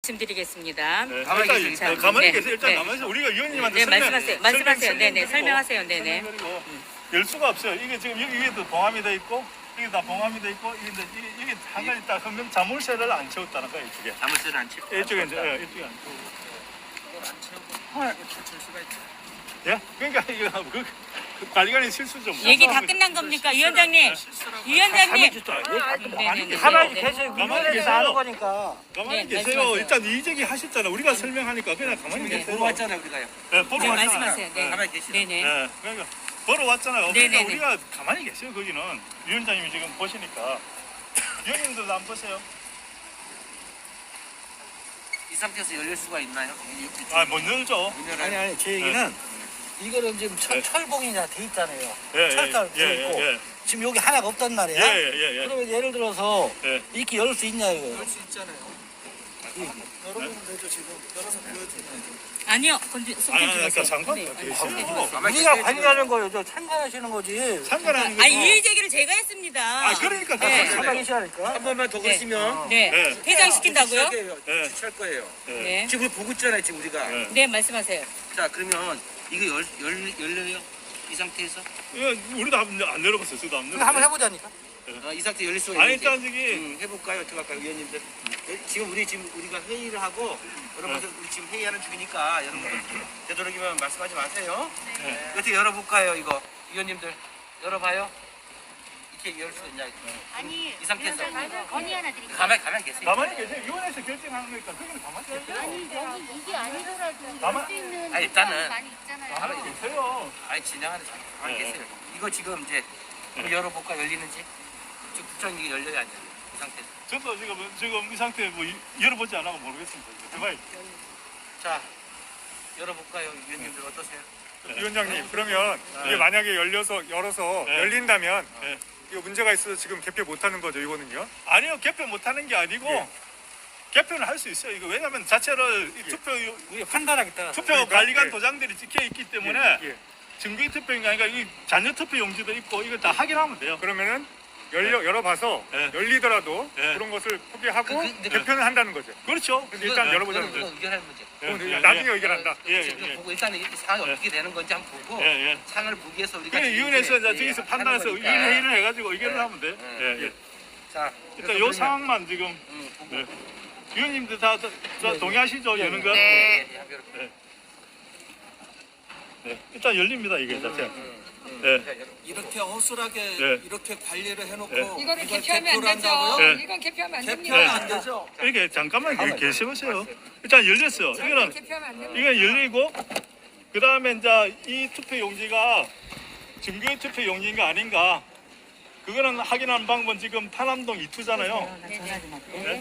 말씀드리겠습니다. 네, 가만히 일단, 계세요. 네, 가만히 네. 계세요. 일단 네. 가만히 계세요. 우리가 위원님한테 네, 말씀하세요. 네네, 설명하세요. 네네. 열 수가 없어요. 이게 지금 여기 위에도 봉함이 돼 있고, 이게 다 봉함이 돼 있고, 이게 한 가지 딱 하면 자물쇠를 안 채웠다는 거예요, 이쪽에. 자물쇠를 안 채워. 이쪽에 이제, 이쪽에 안 채우고. 이걸 안 채우고 출 수가 있죠. 예? 그러니까 이거 관리관의 실수죠. 뭐. 얘기 다 끝난 겁니까, 위원장님? 위원장님. 네네네. 가만히 네. 계세요. 가만히 위원회에서 계세요. 하는 거니까. 가만히 네, 계세요. 말씀하세요. 일단 이제기 하셨잖아. 우리가 설명하니까 그냥 가만히 네. 계세요. 보러 왔잖아요, 우리가요. 네, 보러 네, 왔잖아요. 말씀하세요. 네. 가만히 계시죠. 네네. 네, 그러니까 보러 왔잖아요. 그러니까 네네네. 우리가 가만히 계세요. 거기는 위원장님이 지금 보시니까 위원님들도 안 보세요. 이 상태에서 열릴 수가 있나요? 아, 못 열죠. 아니 제 얘기는 이거는 지금 네. 철봉이나 돼 있잖아요. 예, 철달 돼 있고 지금 여기 하나가 없단 말이야. 예. 그러면 예를 들어서 예. 이렇게 열 수 있냐 이거. 수 있잖아요. 여러분 되죠 지금 열어서 보여드리면. 아니요, 손좀 그러니까 주세요. 상관 네, 계세요. 우리가 관리하는 거예요. 저 참관하시는 거지. 상관하는 거죠. 아, 이의 제기를 제가 했습니다. 아, 그러니까 네. 다 가만히 계시라니까. 한 번만 더 그러시면 네. 네. 퇴장시킨다고요? 네. 주차할 거예요. 네. 지금 보고 있잖아요, 지금 우리가. 네. 네, 말씀하세요. 자, 그러면 이거 열려요? 이 상태에서? 이거 우리도 안 열어봤어요. 저도 안 근데 한번 열어봤어요. 해보자니까. 이 상태 열릴 수가 아니, 있는지. 일단 저기 해볼까요? 어떻게 할까요, 위원님들? 지금 우리가 회의를 하고 여러분들 우리 지금 회의하는 중이니까 여러분들 되도록이면 말씀하지 마세요. 네. 어떻게 열어볼까요, 이거? 위원님들 열어봐요. 이렇게 열 수 있냐? 아니, 이 상태에서. 위원장님, 건의 하나 드릴게요. 가만히 계세요. 가만히 계세요. 위원회에서 결정하는 거니까 그냥 가만히 계세요. 아니, 여기 이게 아니더라도 가만- 열 수 있는 아니, 일단은- 상황이 많이 있잖아요. 가만히 계세요. 아니 진행하는 사람 가만히 네. 계세요. 이거 지금 이제 한번 열어볼까 열리는지? 지금 국장이 열려야 안 열려? 이 상태에서. 저도 지금 이 상태에 뭐 열어보지 않아서 모르겠습니다. 대박이. 자, 열어볼까요? 위원님들 어떠세요? 위원장님, 그러면 이게 만약에 열어서 네. 열린다면 네. 이거 문제가 있어서 지금 개표 못하는 거죠, 이거는요? 아니요, 개표 못하는 게 아니고 예. 개표는 할 수 있어요. 이거 왜냐하면 자체를 이 우리가 판단하겠다. 투표 그러니까, 관리관 예. 도장들이 찍혀 있기 때문에 예. 증거인 투표인가 아니까 이 잔여 투표 용지도 있고 이거 다 확인하면 돼요. 그러면은 열어봐서 네. 열리더라도 네. 그런 것을 포기하고 근데 개표는 한다는 거죠. 그렇죠. 근데 일단 열어보자는 그거 거죠. 의견하는 문제. 나중에 의견한다. 예, 지금 예. 보고 일단은 이 상황이 예. 어떻게 되는 건지 한번 보고 예, 예. 상을 보기 위해서 우리가 그래 지금 위원회에서 이제, 이제 저기서 하는 판단해서 거니까. 위원 회의를 해가지고 의견을 예. 하면 돼. 예, 예. 자, 일단 요 상황만 지금 보고. 네. 위원님들 다 동의하시죠? 여는 거? 네. 네. 일단 열립니다 이게 자체. 음. 네. 이렇게 허술하게 네. 이렇게 관리를 해놓고 네. 이거는 이걸 개표하면 안 개표를 한다고요? 되죠. 네. 이건 개표하면 안 개표하면 됩니다. 안 되죠. 이렇게 잠깐만 여기 계셔보세요. 일단 열렸어요. 이거는 개표하면 안 됩니다. 이거 열리고 그 다음에 이제 이 투표 용지가 증거인 투표 용지인가 아닌가 그거는 확인하는 방법은 지금 파남동 2투잖아요. 네.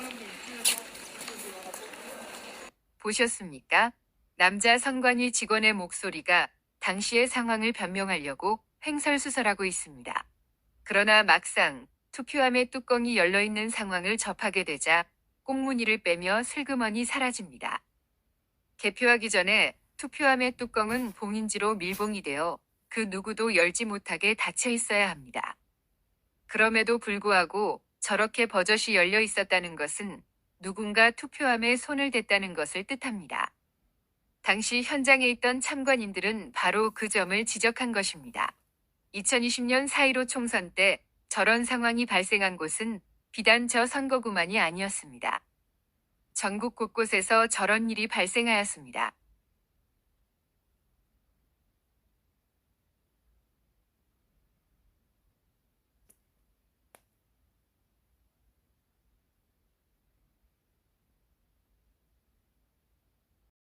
보셨습니까? 남자 선관위 직원의 목소리가 당시의 상황을 변명하려고 횡설수설하고 있습니다. 그러나 막상 투표함의 뚜껑이 열려있는 상황을 접하게 되자 꽁무니를 빼며 슬그머니 사라집니다. 개표하기 전에 투표함의 뚜껑은 봉인지로 밀봉이 되어 그 누구도 열지 못하게 닫혀 있어야 합니다. 그럼에도 불구하고 저렇게 버젓이 열려 있었다는 것은 누군가 투표함에 손을 댔다는 것을 뜻합니다. 당시 현장에 있던 참관인들은 바로 그 점을 지적한 것입니다. 2020년 4.15 총선 때 저런 상황이 발생한 곳은 비단 저 선거구만이 아니었습니다. 전국 곳곳에서 저런 일이 발생하였습니다.